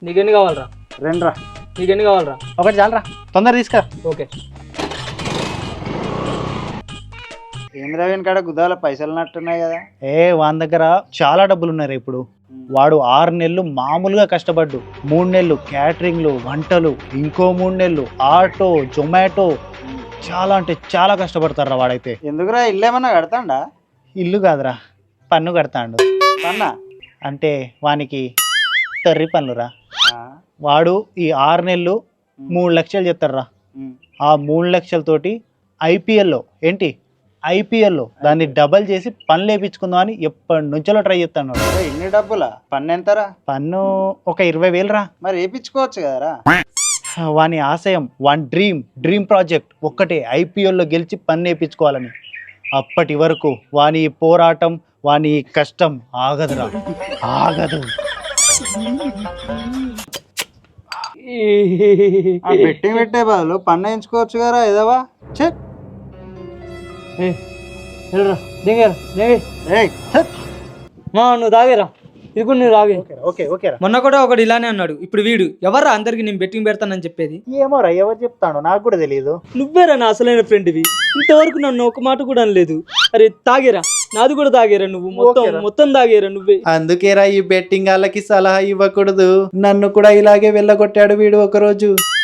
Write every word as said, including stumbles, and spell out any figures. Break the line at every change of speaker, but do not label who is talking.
నీకెన్ని కావాలరా?
రెండు రా.
నీకెన్ని కావాలరా?
ఒకటి చాలరా, తొందర తీసుకురా.
ఓకే.
ఏంద్ర వీని కాడ గుద్దాల పైసలు నట్టున్నాయి కదా. ఏ వాని దగ్గర చాలా డబ్బులు ఉన్నాయి ఇప్పుడు. వాడు ఆరు నెలలు మామూలుగా కష్టపడ్డు, మూడు నెలలు క్యాటరింగ్లు వంటలు, ఇంకో మూడు నెలలు ఆటో జొమాటో, చాలా అంటే చాలా కష్టపడతారా వాడైతే. ఎందుకురా ఇల్లు ఏమన్నా కడతాడా? ఇల్లు కాదురా, పన్ను కడతాడు. పన్నా అంటే వానికి తర్రి పన్నురా. వాడు ఈ ఆరు నెలలు మూడు లక్షలు చెప్తారా. ఆ మూడు లక్షలతోటి ఐపీఎల్లో ఏంటి ఐపీఎల్లో దాన్ని డబల్ చేసి పన్ను లేపించుకుందాం అని ఎప్పటి నుంచో ట్రై చేస్తాను. ఎన్ని డబ్బులా? పన్ను ఎంతరా? పన్ను ఒక ఇరవై వేలు రా. మరి వేయించుకోవచ్చు కదరా. వాని ఆశయం, వాని డ్రీమ్ డ్రీమ్ ప్రాజెక్ట్ ఒక్కటే, ఐపీఎల్లో గెలిచి పన్ను వేయించుకోవాలని. అప్పటి వరకు వాని పోరాటం, వాని కష్టం ఆగదురా, ఆగదు. బెట్టింగ్ పెట్టే బదులు పన్ను వేయించుకోవచ్చు కదా ఎదవా. చెక్
మా నువ్వు తాగేరా, ఇది కూడా నువ్వు తాగే.
Okay okay.
మొన్న కూడా ఒకడు ఇలానే అన్నాడు. ఇప్పుడు వీడు ఎవర్రా అందరికి నేను బెట్టింగ్ పెడతానని చెప్పేది?
ఏమోరా, ఎవరు చెప్తాను నాకు కూడా తెలియదు.
నువ్వేరా నా అసలైన ఫ్రెండ్వి. ఇంతవరకు నన్ను ఒక మాట కూడా అనలేదు. అరే తాగేరా, నాది కూడా తాగేరా, నువ్వు మొత్తం మొత్తం తాగేరా నువ్వే.
అందుకేరా ఈ బెట్టింగ్ వాళ్ళకి సలహా ఇవ్వకూడదు. నన్ను కూడా ఇలాగే వెళ్ళగొట్టాడు వీడు ఒకరోజు.